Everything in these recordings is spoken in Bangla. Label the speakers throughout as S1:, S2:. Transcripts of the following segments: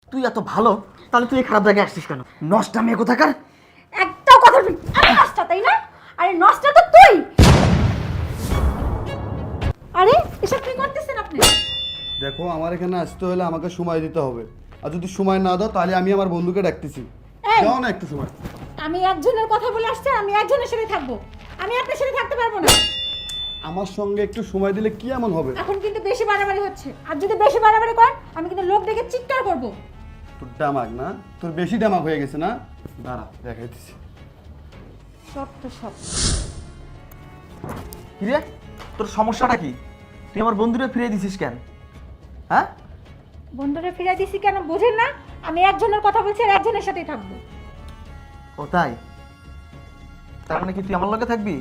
S1: তুই এত ভালো, তাহলে তুই এই খারাপ জায়গায় আসছিস কেন? নষ্ট মেয়ে কোথাকার।
S2: একটাও কথা বলবি আমি নষ্টা, তাই না? আরে নষ্টা তো তুই। আরে এসব কি করতেছেন আপনি?
S3: দেখো, আমার এখানে আসতে হলে আমাকে সময় দিতে হবে, আর যদি সময় না দাও তাহলে আমি আমার বন্ধুকে ডাকতেছি।
S2: এই!
S3: দাও না একটু সময়।
S2: আমি একজনের কথা বলে আসছি, আমি একজনের সাথে থাকবো, আমি আপনার সাথে থাকতে পারবো না।
S3: আমার সঙ্গে একটু সময় দিলে কি এমন হবে?
S2: এখন কিন্তু বেশি বাড়াবাড়ি হচ্ছে, আর যদি বেশি বাড়াবাড়ি করেন আমি কিন্তু লোক ডেকে চিৎকার করবো।
S3: তোর ডামাক না, তোর বেশি ডামাক হয়ে গেছে না? দাঁড়া দেখাইতেছি।
S2: সব তো সব।
S1: কি রে, তোর সমস্যাটা কি? তুই আমার বন্ধুরে ফিরিয়ে দিছিস কেন? হ্যাঁ,
S2: বন্ধুরা ফিরাই দিছি কেন বুঝেন না? আমি একজনের কথা বলছি আর একজনের সাথেই থাকবো।
S1: ও তাই? তার মানে কি তুই আমার লগে থাকবি?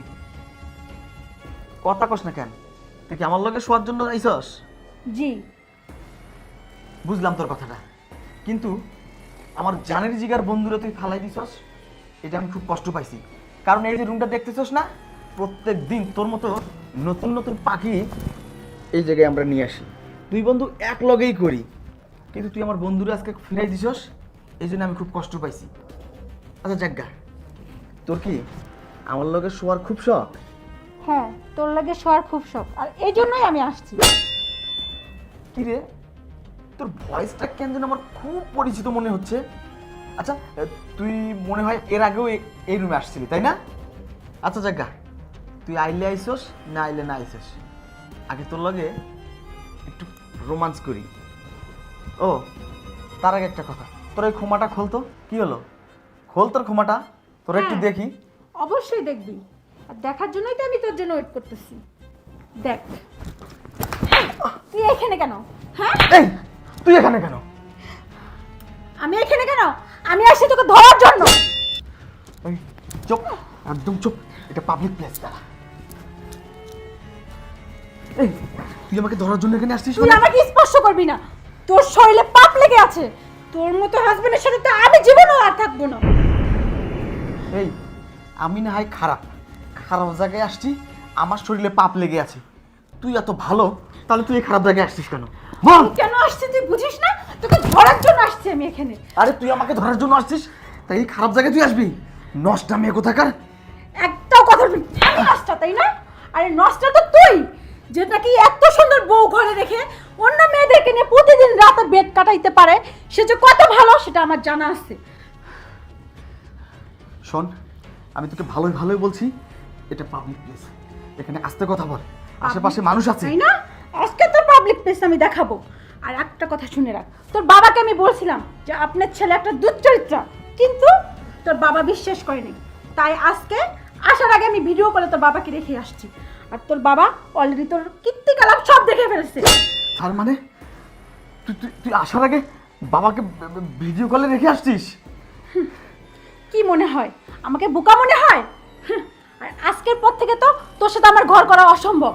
S1: কথা কস না কেন? তুই কি আমার লগে শোয়ার জন্য আইছস?
S2: জি।
S1: বুঝলাম তোর কথাটা, কিন্তু আমার জানের জিগার বন্ধুরা তুই ফালাই দিছস, এটা আমি খুব কষ্ট পাইছি। কারণ এই যে রুমটা দেখতেছস না, প্রত্যেক দিন তোর মতো নতুন নতুন পাখি এই জায়গায় আমরা নিয়ে আসি, দুই বন্ধু এক লগেই করি, কিন্তু তুই আমার বন্ধুরা আজকে ফিরাই দিছস, এই জন্য আমি খুব কষ্ট পাইছি। আচ্ছা জাজ্ঞা, তোর কি আমার লগে শোয়ার খুব শখ?
S2: হ্যাঁ, তোর লাগে শোয়ার খুব শখ, আর এই জন্যই আমি আসছি।
S1: কি রে, তোর ভয়েসটা কেন যেন আমার খুব পরিচিত মনে হচ্ছে। আচ্ছা, তুই মনে হয় এর আগেও এই রুমে আসছিলি, তাই না? আচ্ছা জাজ্ঞা, তুই আইলে আইসস না আইলে না আইসস, আগে তোর লগে একটু রোমান্স করি। ও তার আগে একটা কথা, তোর ওই ক্ষমাটা খোলতো। কি হলো, খোল তোর ক্ষমাটা, তোর একটু
S2: হ্যাঁ।
S1: দেখি।
S2: অবশ্যই দেখবি, আর দেখার জন্যই তো আমি তোর জন্য ওয়েট করতেছি। দেখ। তুই এখানে কেন? হ্যাঁ,
S1: এই তুই এখানে কেন?
S2: আমি এখানে কেন? আমি আসছি তোকে ধরার জন্য।
S1: এই চুপ, একদম চুপ, এটা পাবলিক প্লেস। দাঁড়া, এই তুই আমাকে ধরার জন্য এখানে আসছিস?
S2: তুই আমাকে স্পর্শ করবি না, তোর শরীরে পাপ লেগে আছে। তোর মতো হাজবেন্ডের সাথে তো আমি জীবনও আর থাকবো না।
S1: এই আমি না হয় খারাপ খারাপ জায়গায় আসছি, আমার শরীরে পাপ লেগে আছে। তুই এত ভালো, তাহলে তুই এই খারাপ জায়গায় আসছিস কেন? বল।
S2: তুই কেন আসছিস তুই বুঝিস না? তোকে ধরার জন্য আসছি আমি এখানে।
S1: আরে তুই আমাকে ধরার জন্য আসছিস, তাই এই খারাপ জায়গায় তুই আসবি? নষ্ট মেয়ে কোথাকার।
S2: একটাও কথা বলবি আমি নষ্টা, তাই না? আরে নষ্টা তো তুই, যে নাকি এত সুন্দর বউ ঘরে রেখে অন্য মেয়েদেরকে নিয়ে প্রতিদিন রাতে বেড কাটাইতে পারে, সে যে কত ভালো সেটা আমার জানা আছে।
S1: শোন, আমি তোকে ভালোই ভালোই বলছি, এটা পাবলিক প্লেস, এখানে আস্তে কথা বল, আশেপাশে মানুষ আছে।
S2: তাই না? আজকে তো পাবলিক প্লেস আমি দেখাবো। আর একটা কথা শুনে রাখ, তোর বাবাকে আমি বলছিলাম যে আপনার ছেলে একটা দুশ্চরিত্রা, কিন্তু তোর বাবা বিশ্বাস করেনি। তাই আজকে আসার আগে আমি ভিডিও করে তোর বাবাকে রেখে আসছি, আর তোর বাবা অলরেডি তোর কীর্তিকলাপ সব দেখে ফেলেছে।
S1: তার মানে তুই তুই তুই আসার আগে বাবাকে ভিডিও কলে রেখে আসছিস?
S2: কি মনে হয় আমাকে বোকা মনে হয়? আর আজকের পর থেকে তো তোর সাথে আমার ঘর করা অসম্ভব।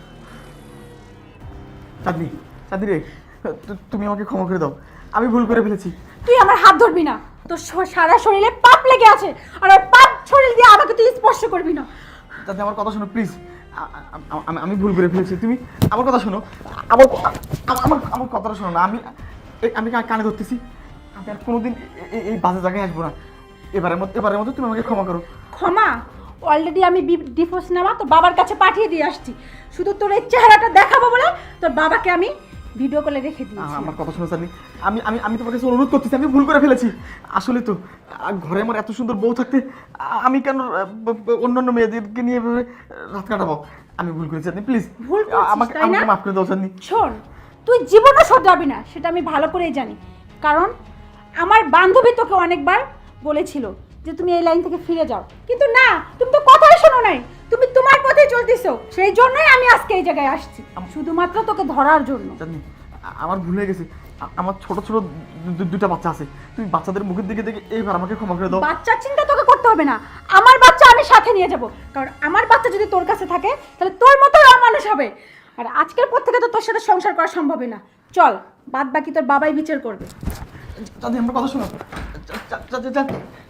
S1: চাঁদনি, চাঁদনি রে, তুমি আমাকে ক্ষমা করে দাও, আমি ভুল করে ফেলেছি।
S2: তুই আমার হাত ধরবি না, তোর সারা শরীরে পাপ লেগে আছে, আর ওই পাপ শরীর দিয়ে আমাকে তুই স্পর্শ করবি না।
S1: চাঁদনি আমার কথা শোনো প্লিজ, আমি ভুল করে ফেলেছি, তুমি আমার কথা শোনো, আমার আমার আমার কথাটা শোনো না। আমি কানে ধরতেছি, আমি আর কোনোদিন এই বাজে জায়গায় আসবো না। এবারের মতো তুমি আমাকে ক্ষমা করো।
S2: ক্ষমা? অলরেডি আমি ডিভোর্স নেওয়া তোর বাবার কাছে পাঠিয়ে দিয়ে আসছি, শুধু তোর এই চেহারাটা দেখাবো বলে তোর বাবাকে আমি ভিডিও কলে রেখে দিয়েছি।
S1: আমার কথা শোনো চাঁদনি, আমি তোমার কাছে অনুরোধ করতেছি, আমি ভুল করে ফেলেছি। আসলে তো ঘরে আমার এত সুন্দর বউ থাকতে আমি কেন অন্যান্য মেয়েদেরকে নিয়ে এভাবে রাত কাটাবো? আমি ভুল করেছি চাঁদনি, প্লিজ
S2: ভুল করছিস,
S1: আমাকে
S2: তাই না?
S1: মাফ করে দাও চাঁদনি।
S2: শোন, তুই জীবনও শোধরাবি না সেটা আমি ভালো করেই জানি, কারণ আমার বান্ধবী তোকে অনেকবার বলেছিল যে তুমি এই লাইন থেকে ফিরে যাও, কিন্তু না, তুমি তো কথাই শোনো নাই, তুমি তোমার পথে চলতেছো। সেই জন্যই আমি আজকে এই জায়গায় আসছি, শুধুমাত্র তোকে ধরার জন্য।
S1: চাঁদনি, আমার ভুল হয়ে গেছে, আমার ছোট ছোট দুটা বাচ্চা আছে, তুমি বাচ্চাদের মুখের দিকে দেখে এইবার আমাকে ক্ষমা করে দাও।
S2: বাচ্চার চিন্তা তোকে করতে হবে না, আমার বাচ্চা আমি সাথে নিয়ে যাব, কারণ আমার বাচ্চা যদি তোর কাছে থাকে তাহলে তোর মতোই মানুষ হবে। আর আজকের পর থেকে তো তোর সাথে সংসার করা সম্ভব না। চল, বাদ বাকি তোর বাবাই বিচার করবে।
S1: চাঁদনি আমার কথা শোনো।